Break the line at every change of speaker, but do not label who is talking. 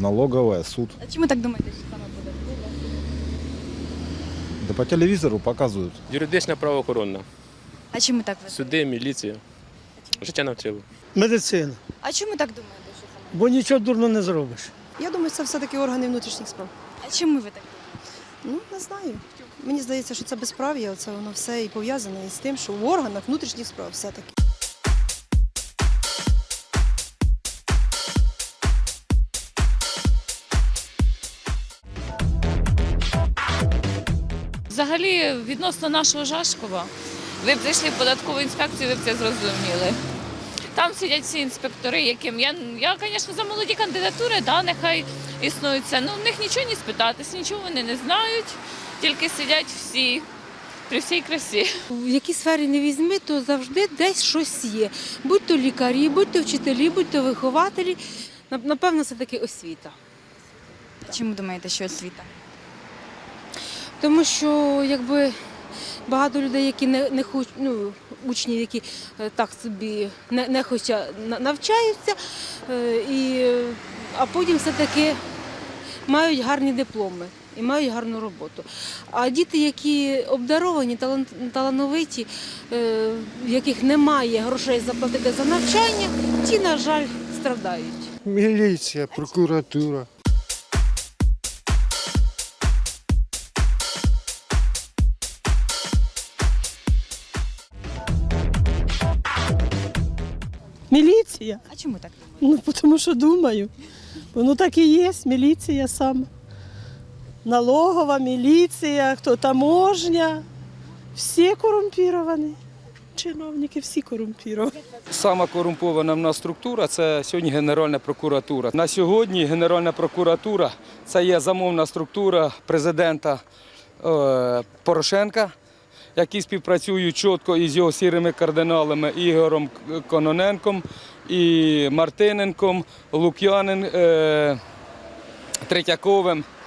налоговая, суд.
А чому так думаєте, що саме податкова?
Да по телевизору показывают.
Юридична правоохоронна.
А чому так ви?
Суди, міліція. Життя навчило.
Медицина.
А чому так думаєте, що саме?
Бо нічого дурно не зробиш.
Я думаю, це все-таки органи внутрішніх справ.
А чому ви так думаєте?
Ну, не знаю. Мені здається, що це безправ'я, це воно все і пов'язане із тим, що в органах внутрішніх справ все-таки.
Взагалі, відносно нашого Жашкова, ви б зайшли в податкову інспекцію, ви б це зрозуміли. Там сидять всі інспектори, яким я, звісно, за молоді кандидатури, да, нехай існують це. Ну, в них нічого не спитатись, нічого вони не знають, тільки сидять всі при всій красі.
В якій сфері не візьми, то завжди десь щось є. Будь то лікарі, будь то вчителі, будь то вихователі. Напевно, це таки освіта.
А чому думаєте, що освіта?
Тому що якби багато людей, які не хочуть, ну, учнів, які так собі не хочуть навчаються, а потім все-таки мають гарні дипломи і мають гарну роботу. А діти, які обдаровані, талановиті, в яких немає грошей заплатити за навчання, ті, на жаль, страдають.
Міліція, прокуратура.
Міліція.
А чому так думаєте?
Ну, тому що думаю. Воно так і є, міліція саме. Налогова, міліція, хто таможня. Всі корумпіровані. Чиновники всі корумпіровані.
Сама корумпована в нас структура – це сьогодні Генеральна прокуратура. На сьогодні Генеральна прокуратура – це є замовна структура президента Порошенка, які співпрацюють чітко із його сірими кардиналами Ігорем Кононенком, і Мартиненком, Лук'яним, Третьяковим.